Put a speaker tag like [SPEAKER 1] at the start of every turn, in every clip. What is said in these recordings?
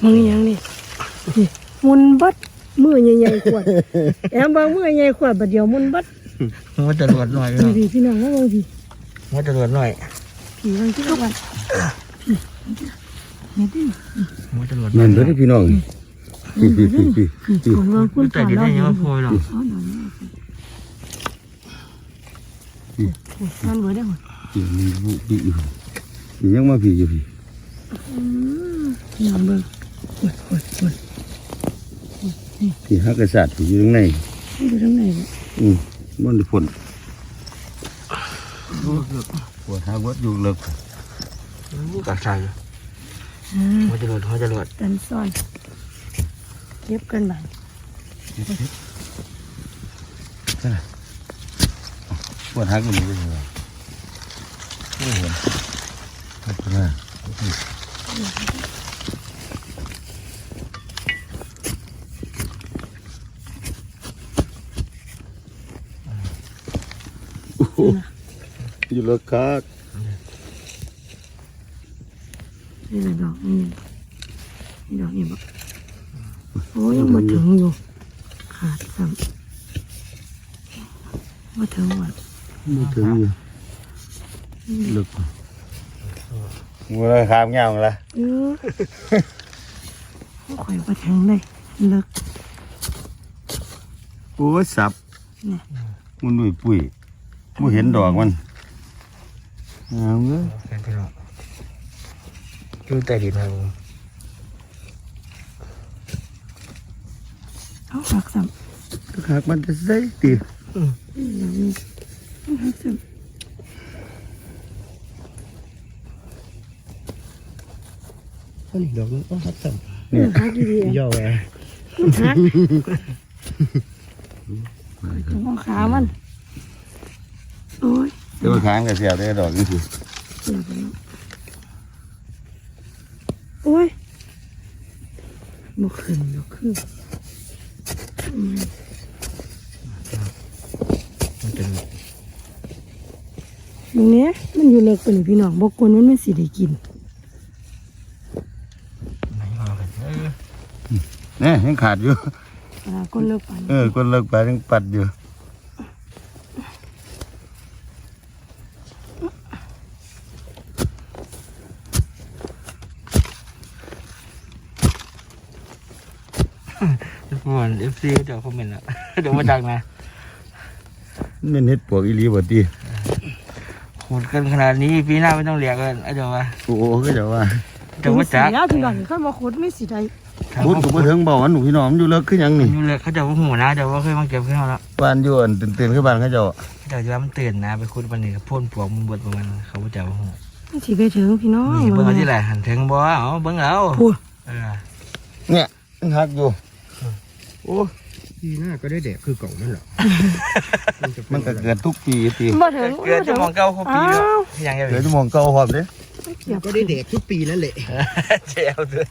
[SPEAKER 1] มึงยังนี่มุนบัดมือใหญ่ๆขวดแอมบางมือใหญ่ขวดบัดเดียวมุนบัด
[SPEAKER 2] มันจะรวดหน่อย
[SPEAKER 1] พี่น้องว่าพี่
[SPEAKER 2] มันจะรวดหน่อย
[SPEAKER 1] พี่บางที่วันนี่ดิ
[SPEAKER 2] มันจะรวด
[SPEAKER 3] นั่นเด้อพี่น้อง
[SPEAKER 1] คนว่าคุณผ่านแล้ว
[SPEAKER 2] ยังพอหรอก
[SPEAKER 1] นั่นเบอร์ได้หมด
[SPEAKER 3] ยังมาพี่อยู่พี่
[SPEAKER 1] น้ำเบอร์
[SPEAKER 3] พี่ฮักกษัตริย์อยู่ตรงไหน
[SPEAKER 1] อยู่ตรงไหน
[SPEAKER 3] มันฝนปวดหาวัดอยู่เลิก
[SPEAKER 2] กัดใส่มันจะรวด
[SPEAKER 1] กันซ่อนเก็บกันบ้าง
[SPEAKER 3] ปวดหักมันเลยโอ้โหขอบคุณมากอยู่เลิกคัก
[SPEAKER 1] นี่ดอกนี่ดอกนี่บอกโอ้ยังมาถึงอยู่ขาดซ้ำมาถึงวัน
[SPEAKER 3] มาถึงอยู่เลิกงูเลยขามเงาละ
[SPEAKER 1] ข่อยมาถึงเลยเลิก
[SPEAKER 3] โอ้ยสับมันดุยปุ๋ยไม่เห็นดอกมันเอาเงี้ย
[SPEAKER 2] อยู่ใต้ดินครับผม
[SPEAKER 1] เอาหักซ้
[SPEAKER 3] ำหักมันจะใส่ตี
[SPEAKER 1] หักซ้ำ
[SPEAKER 2] นี่ดอกนี้หักซ้
[SPEAKER 1] ำเนี่ยหักดี
[SPEAKER 2] ย่อแหว
[SPEAKER 1] หักมองขามันโอ้ย
[SPEAKER 3] เดี๋ยวค้างกับเสียบได้ดอกนี่สิ
[SPEAKER 1] โอ้ยบ่ขึ้นบ่ขึ้นตรงนี้มันอยู่เลิกไปเลยพี่น้องบอกคนมันไม่สิได้กิน
[SPEAKER 3] เนี่ยยังขาดอยู่
[SPEAKER 1] คนเลิกไป
[SPEAKER 3] คนเลิกไปยังปัดอยู่
[SPEAKER 2] ทุกคนFC เดี๋ยวคอมเมนต์ละเดี๋ยวมาดังนะ
[SPEAKER 3] มันเฮ็ดปวกอีหลีบ่ตี
[SPEAKER 2] ขุดกันขนาดนี้ปีหน้าไม่ต้องเลี้ยงกันเดี๋ยวว่า
[SPEAKER 3] โอ้ก็เดี๋ยวว่า
[SPEAKER 1] จักพี่น้องเขามาขุดไม่สิได้
[SPEAKER 3] ขุดก็บ่ถึงบ่หนูพี่น้องอยู่เลิกคือหยังนี่
[SPEAKER 2] อยู่เลิกเขาจะว่าหูนะเดี๋ยวว่าเคยมาเก็บขึ้นแล้ว
[SPEAKER 3] บ้านอยู่อันตื่นขึ้นบ้านเขาจะ
[SPEAKER 2] ว่ามันตื่นนะไปขุดวันนี้พ่นปลวกมันบดประมาณเขาจะว่าหู
[SPEAKER 1] สิไปถึงพี่น้อง
[SPEAKER 2] เบิ่งเอาที่ไหนหันถึงบ่เอาเบิ่งเอา
[SPEAKER 3] เนี่ยหักอยู่
[SPEAKER 2] โอ้ปีหน้าก็ได้แดกคือเก่านั่นแหละ
[SPEAKER 3] มันก็เกิดทุกปีตี
[SPEAKER 1] มาถึง
[SPEAKER 2] เกิดจะมองเก่าเขาปีแล้วยังไง
[SPEAKER 3] เกิดจะมองเก่าหอบเลย
[SPEAKER 2] ก็ได้แดกทุกปีนั่นแหละเจ้าเดือน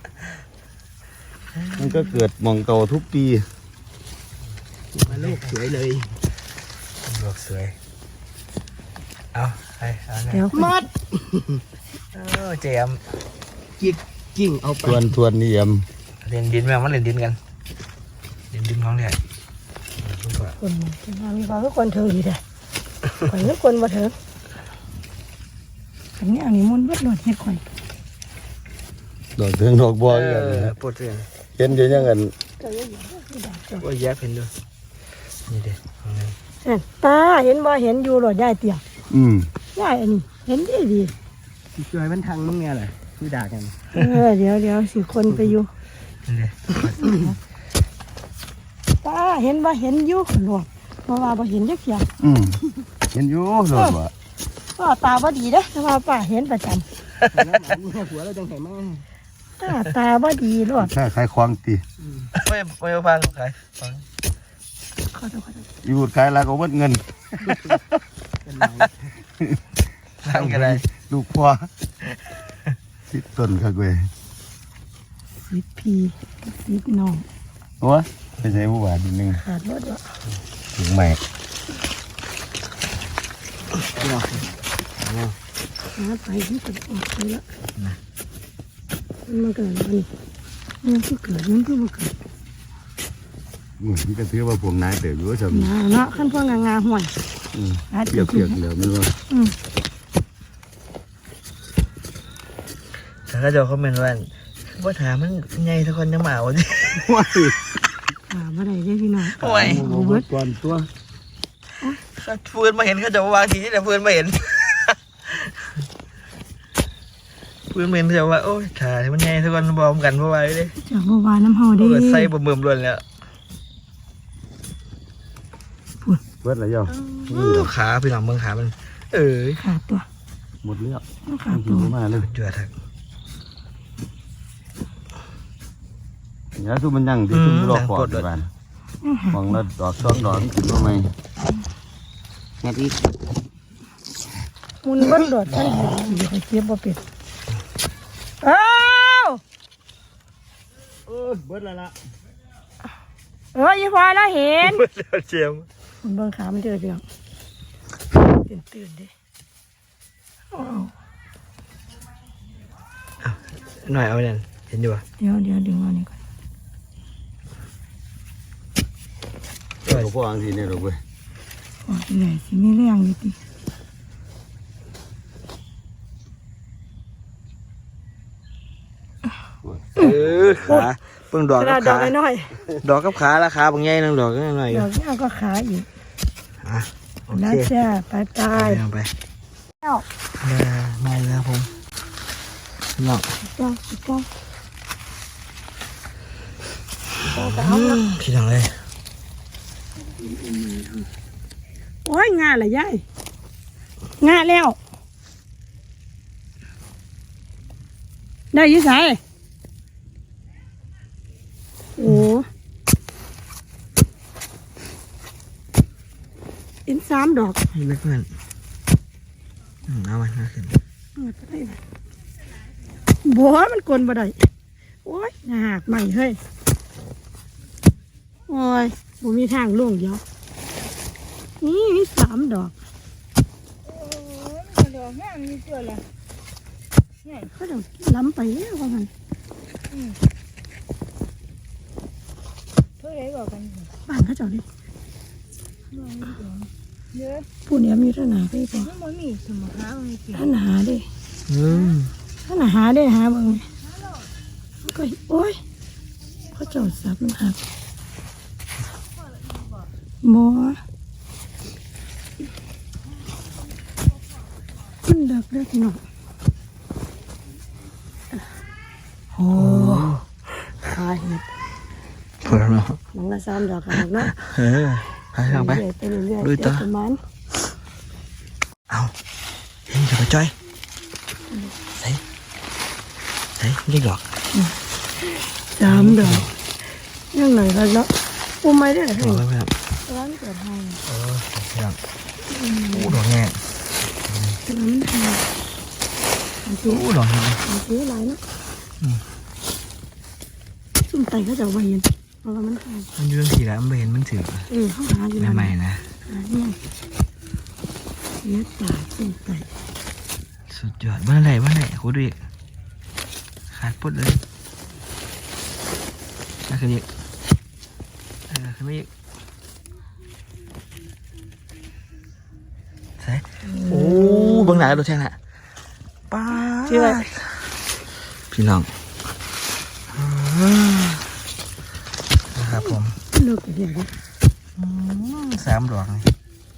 [SPEAKER 3] มันก็เกิดมองเก่าทุกปี
[SPEAKER 2] มาโลกสวยเลยโลกสวยเอาไป
[SPEAKER 1] เดี๋ยว
[SPEAKER 2] มัดเจมกิ้งเอาไป
[SPEAKER 3] ทวนนี่ย
[SPEAKER 2] เล่นดินแม่มันเล่นดินกันเล่นดินของแท้
[SPEAKER 1] คนมีความทุกคนเธอดีแต่ข่อยทุกคนมาเถอะอันนี้อันนี้มันวัดหลอดเห็ดข่อย
[SPEAKER 3] ดอกเทืองดอกบัว
[SPEAKER 2] ปวดเรื่อง
[SPEAKER 3] เห็นเดี๋ยวยังกัน
[SPEAKER 2] ว่าแย่เห็นด้วยนี่เด็
[SPEAKER 1] ดตาเห็นบ่เห็นอยู่หลอดได้เตี่ยได้อันนี้เห็นดี
[SPEAKER 2] ช่วยมันทางมึงไงเลยคุยด่ากัน
[SPEAKER 1] เดี๋ยวสิคนไปอยู่ตาเห็นบ่เห็นอยู่หลอดเพราะว่าบ่เห็นจักเที่ย
[SPEAKER 3] เห็นอยู่หลอดว่ะ
[SPEAKER 1] ก็ตาบ่ดีเด้แต่ว่าป้าเห็นประจำ
[SPEAKER 2] หัวเราจังไห้ม
[SPEAKER 1] ากตาบ่ดีหลอด
[SPEAKER 3] ใครควางตี
[SPEAKER 2] ไม่ฟังใคร
[SPEAKER 3] อยู่ขายแล้วก็วัดเงิน
[SPEAKER 2] ทางกันเลย
[SPEAKER 3] ลูกพ่อสิต้นครับเว้ย
[SPEAKER 1] 10 ปี10น้อง
[SPEAKER 3] โอ้ยไปใช้ผู้บ่าวนิดนึง
[SPEAKER 1] ขาดรถวะ
[SPEAKER 3] ถึงใหม่
[SPEAKER 1] ไปที่สุดออกไปแล้วมันเกิดอะไรมันคือเกิดมันคือบ่เกิด
[SPEAKER 3] มันก็ถือว่าพวกนายเติบอยู่ซะ
[SPEAKER 1] เนาะขั้นพวกงาห่วย
[SPEAKER 3] เปียกๆแล้วมันว่า
[SPEAKER 2] แต่ก็จะคอมเมนต์ว่าถามมันใหญ่ทุกคนจะมาวันนี้
[SPEAKER 3] ว้าย
[SPEAKER 1] บ่ได้เด้พี่น้อง
[SPEAKER 2] โอ้ย
[SPEAKER 3] เอาเบิดก่อนตัว
[SPEAKER 2] ฟืนมาเห็นเขาจะวางทีนี่แต่ฟืนมาเห็นฟืนมาเห็นเขาจะว่าโอ้ยถ่ายมันใหญ่ทุกคนบอมกันเพราะว่าเลย
[SPEAKER 1] จากบ่ว่าน้ำเฮาเด้
[SPEAKER 2] เปิดไส้บ่เบิ่มล้วนแล้ว
[SPEAKER 3] เบิดแล้วย่อ
[SPEAKER 2] ขาพี่น้องเบิ่งขามัน
[SPEAKER 1] ขาดตัว
[SPEAKER 3] หมดแล้ว
[SPEAKER 1] ขาด
[SPEAKER 3] กิ
[SPEAKER 1] ตั
[SPEAKER 3] น
[SPEAKER 1] ว
[SPEAKER 3] มาเลย
[SPEAKER 2] เจือทัก
[SPEAKER 3] อย่าสู้มันยังที่ซุ่มรอปอดบ้านมองแล้วดอกซ้อนดอกมันขึ้นมาใหม่แง่ที่
[SPEAKER 1] มุนเบิ่งโดดท่านเห็นอยู่ให้เก็บบ่เป็ดอ้าว
[SPEAKER 3] เบิดแล้วล่ะ
[SPEAKER 1] อีพอแล้วเห็น
[SPEAKER 2] เจียม
[SPEAKER 1] มันเบิ่งขามันเจอเพียงตื่นเด้
[SPEAKER 2] หน่อยเอาเนี่ยเห็นอยู่ป่ะ
[SPEAKER 1] เดี๋ยวดึงเอานี่ก่อน
[SPEAKER 3] พวกอังสีเนี่ยหรอกเว้ย
[SPEAKER 1] โอ้ยเหนื่อยสิมีแรงอยู่ติ
[SPEAKER 2] ขาเพิ่งดอก
[SPEAKER 1] ก
[SPEAKER 2] กั
[SPEAKER 1] ระ
[SPEAKER 2] บ
[SPEAKER 1] ดอ
[SPEAKER 2] ขาก
[SPEAKER 1] น้อย
[SPEAKER 2] ดอกกับขาราคาบางใหญ่นึงดอกก็หน่อย
[SPEAKER 1] ดอกนี้ก็ขาอีก
[SPEAKER 2] โอ
[SPEAKER 1] แล้ว
[SPEAKER 2] เค
[SPEAKER 1] จ้าไป
[SPEAKER 2] ไป
[SPEAKER 1] แล้ว
[SPEAKER 2] มาแล้วผมน้อง
[SPEAKER 1] จ้า
[SPEAKER 2] พี่น้องเลย
[SPEAKER 1] โอ้ยงาละยายงาแล้วได้ยี่สายโอ้อิน3 ดอก
[SPEAKER 2] ให้เพื่อนเอามันมาขึ้น
[SPEAKER 1] บัวมันกลนบ่ได้โอ้ยหักใหม่เฮ้ยโอ้ยบ่มีทางล่วงเดียวนี่มี3 ดอกดอกแม่มีตัวละเขาดอกล้ำไปแล้วว่ามันเท่าไรบอกกันบ้านเขาเจ้าดิผู้เนี้ยมีท่านหาไปก่อนท่านหาดิท่านหาได้หาบ้างไหมก็โอ้ยเขาเจ้าสับมันหักบัวมันเลิกเลิกหน่อยโอ้ขาเห็ด
[SPEAKER 2] เพื่อนเนาะ
[SPEAKER 1] มันละ3 ดอกหักเนาะ
[SPEAKER 2] ไปทางไป
[SPEAKER 1] ไปเรื่อยๆ
[SPEAKER 2] ลุยต่อ
[SPEAKER 1] ประมาณ
[SPEAKER 2] เอาเห็นจะไปจ้อยใส่ยี่ดอก
[SPEAKER 1] 3 ดอกยังหน่อยแล้วเนาะปูไม่ได้เหรอ
[SPEAKER 2] ดอกแล้วครับ
[SPEAKER 1] ร้านเกิดให้
[SPEAKER 2] ครับโอ้ดอกแง่
[SPEAKER 1] ร้านมันให้มันซื้อ
[SPEAKER 2] โอ้ดอกแง่
[SPEAKER 1] มันซื้อหลายเนาะซุ่มไตเขาจะเอาไว้เย็นเพราะว่ามันให้
[SPEAKER 2] มันยืนสีแล้วมันเห็นมันถือ
[SPEAKER 1] เขาหาอยู่
[SPEAKER 2] ใหม่ๆนะ
[SPEAKER 1] หาเนี่ยเนื้อตาซุ่มไต
[SPEAKER 2] สุดยอดบ้านไหนโคตรดีขาดปุ๊ดเลยน่าขึ้นอีกขึ้นไม่อีกใส่โอ้บางหนาดูแช่น่ะป้าพี่น้องนะครับผม
[SPEAKER 1] เลิกเดี๋ยว
[SPEAKER 2] 3 ดอกนี่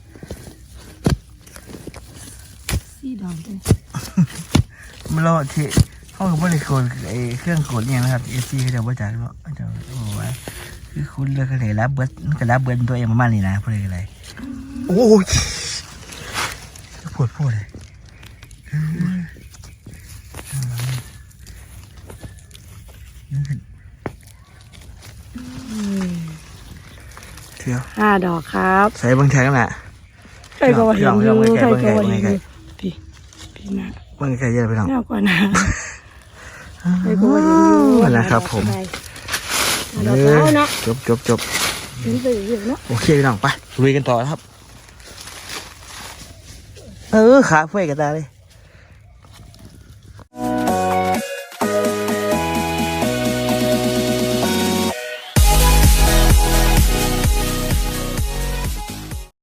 [SPEAKER 1] 4 ดอกเลย
[SPEAKER 2] มันรอที่ห้องกับบริโภคไอ้เครื่องกดเนี่ยนะครับเอซีเขาจะบริจาคเนาะเขาจะบอกว่าคือคุณเลือกอะไรรับเบิร์ดมันก็รับเบิร์ดตัวเองประมาณนี้นะเพราะอะไรโอ้ยปวดเลยเที่ยว
[SPEAKER 1] 5 ดอกครับ
[SPEAKER 2] ใส่บางแท็กน่ะ
[SPEAKER 1] ใครก็ว่าเห็นอยู่ใครก็ว่าเห็นอยู่พี่นะ
[SPEAKER 2] บางแท็กเยอะไปหน่อย
[SPEAKER 1] น่ากว่านะใครก็ว่าเห็นอยู่
[SPEAKER 2] นะครับผม
[SPEAKER 1] ดอกแล้วเนาะ
[SPEAKER 2] จบ
[SPEAKER 1] เห็นไปอยู่เนาะ
[SPEAKER 2] โอเคพี่น้องไปลุยกันต่อครับขาเฟ้ยกันตาเลย